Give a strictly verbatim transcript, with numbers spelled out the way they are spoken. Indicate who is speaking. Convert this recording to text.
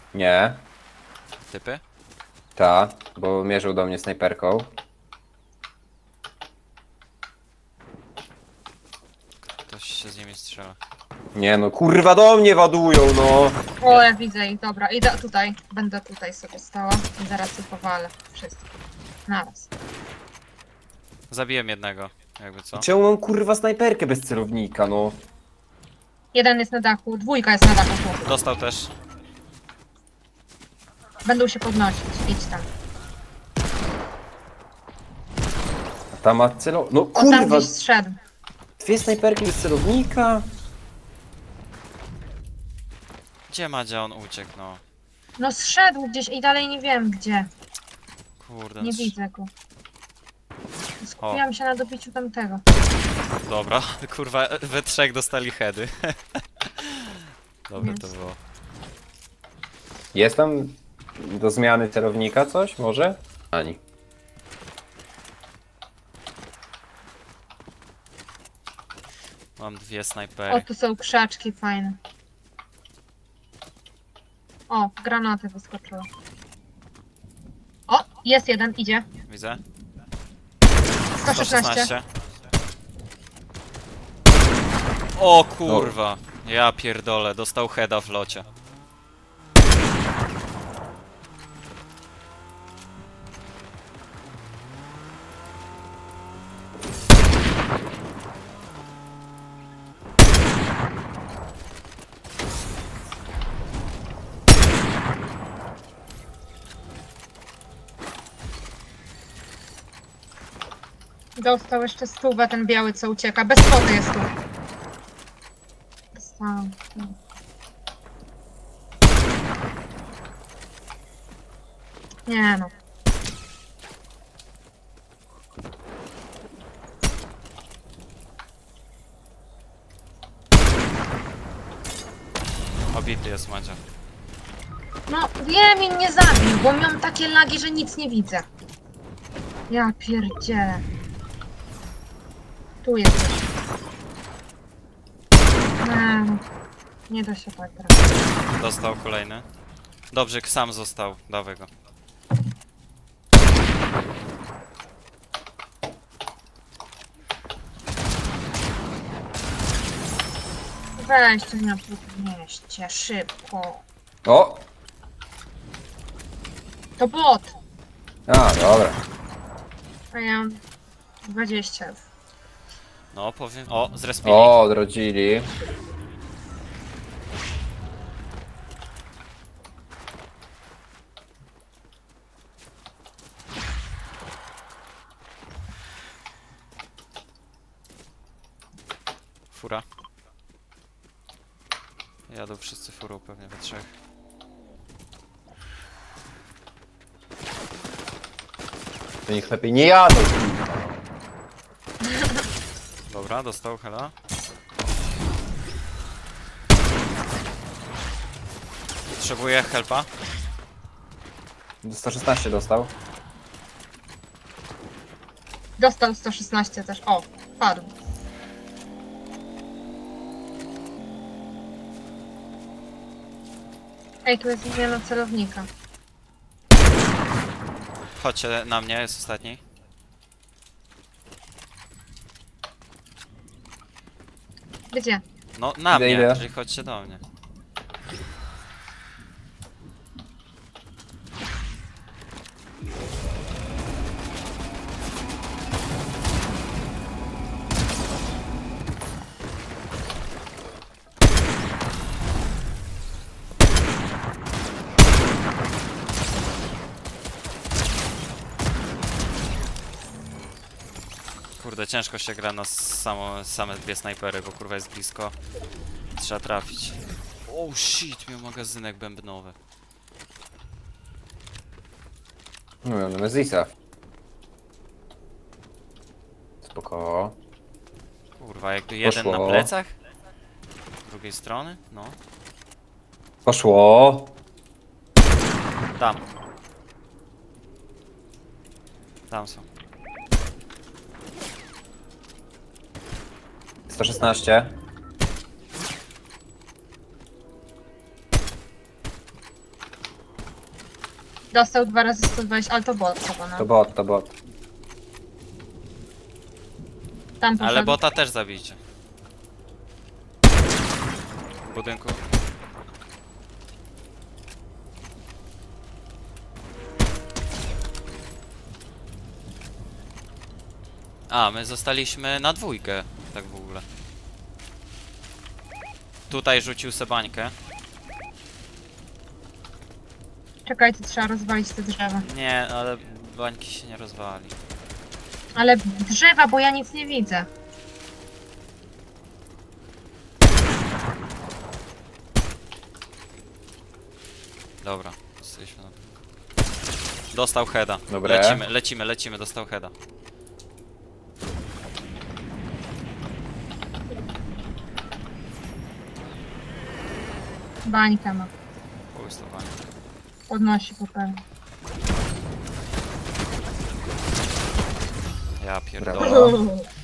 Speaker 1: Nie,
Speaker 2: Typy?
Speaker 1: ta, bo mierzył do mnie snajperką.
Speaker 2: Ktoś się z nimi strzela.
Speaker 1: Nie no, kurwa do mnie ładują, no!
Speaker 3: O, ja widzę ich, dobra. Idę tutaj. Będę tutaj sobie stała i zaraz ich powalę. Wszystkich. Naraz.
Speaker 2: Zabiłem jednego, jakby co.
Speaker 1: Czemu mam kurwa snajperkę bez celownika, no?
Speaker 3: Jeden jest na dachu, dwójka jest na dachu. Tu.
Speaker 2: Dostał też.
Speaker 3: Będą się podnosić. Idź tam.
Speaker 1: A ta ma celow... No
Speaker 3: O, tam
Speaker 1: kurwa!
Speaker 3: gdzieś zszedł.
Speaker 1: Dwie snajperki bez celownika?
Speaker 2: Gdzie Madzia on uciekł, no?
Speaker 3: No zszedł gdzieś i dalej nie wiem gdzie.
Speaker 2: Kurde.
Speaker 3: Nie
Speaker 2: no,
Speaker 3: widzę go. Skupiłam się na dobiciu tamtego.
Speaker 2: Dobra, kurwa, we trzech dostali heady. Dobre to
Speaker 3: Jest.
Speaker 2: było.
Speaker 1: Jest tam do zmiany celownika coś, może? Ani.
Speaker 2: Mam dwie
Speaker 3: O,
Speaker 2: snajpery.
Speaker 3: tu są krzaczki fajne. O, granaty wyskoczyły. O, jest jeden, idzie.
Speaker 2: Widzę?
Speaker 3: sto szesnaście.
Speaker 2: sto szesnaście. O kurwa. Ja pierdolę, dostał heada w locie.
Speaker 3: Dostał jeszcze stówę ten biały, co ucieka. Bez foty jest tu. Dostałam. Nie no.
Speaker 2: Obity jest Madzia.
Speaker 3: No, wiem i mnie zabił, bo miałam takie lagi, że nic nie widzę. Ja pierdzielę. Tu jest coś. Nie, no. Nie da się tak grać.
Speaker 2: Dostał kolejny. Dobrze, sam został. Dawaj go.
Speaker 3: Weźcie mnie podnieście, szybko.
Speaker 1: O!
Speaker 3: To bot.
Speaker 1: A, dobra.
Speaker 3: A ja mam dwadzieścia.
Speaker 2: No, powiem. O, zrespili.
Speaker 1: O, odrodzili.
Speaker 2: Fura. Jadą wszyscy furą pewnie we trzech.
Speaker 1: To niech lepiej nie jadą.
Speaker 2: Dobra, dostał hela. Potrzebuję helpa.
Speaker 1: sto szesnaście dostał.
Speaker 3: Dostał sto szesnaście też. O, padł. Ej, tu jest zmiana celownika.
Speaker 2: Chodźcie na mnie, jest ostatni.
Speaker 3: Gdzie?
Speaker 2: No, na
Speaker 1: Idę,
Speaker 2: mnie,
Speaker 1: idę.
Speaker 2: czyli chodźcie do mnie. Kurde, ciężko się gra na samo, same dwie snajpery, bo kurwa jest blisko. Trzeba trafić. Oh shit, miał magazynek bębnowy.
Speaker 1: No, miał Nemezisa. Spoko.
Speaker 2: Kurwa, jakby jeden na
Speaker 1: Poszło.
Speaker 2: plecach? Z drugiej strony? No.
Speaker 1: Poszło.
Speaker 2: Tam. Tam są.
Speaker 1: sto szesnaście.
Speaker 3: Dostał dwa razy sto dwadzieścia, ale to bot chyba, no.
Speaker 1: To bot, to bot.
Speaker 3: Tam poszedł.
Speaker 2: Ale bota też zabijcie. W budynku. A, my zostaliśmy na dwójkę, tak w ogóle. Tutaj rzucił se bańkę.
Speaker 3: Czekajcie, trzeba rozwalić te drzewa.
Speaker 2: Nie, ale bańki się nie rozwali.
Speaker 3: Ale drzewa, bo ja nic nie widzę.
Speaker 2: Dobra, jesteśmy na... Dostał heada.
Speaker 1: Dobre.
Speaker 2: Lecimy, lecimy, lecimy, dostał heada.
Speaker 3: Bańka ma.
Speaker 2: Połystowanie.
Speaker 3: Podnosi po pewnie.
Speaker 2: Ja
Speaker 1: Brawo.
Speaker 2: pierdolę.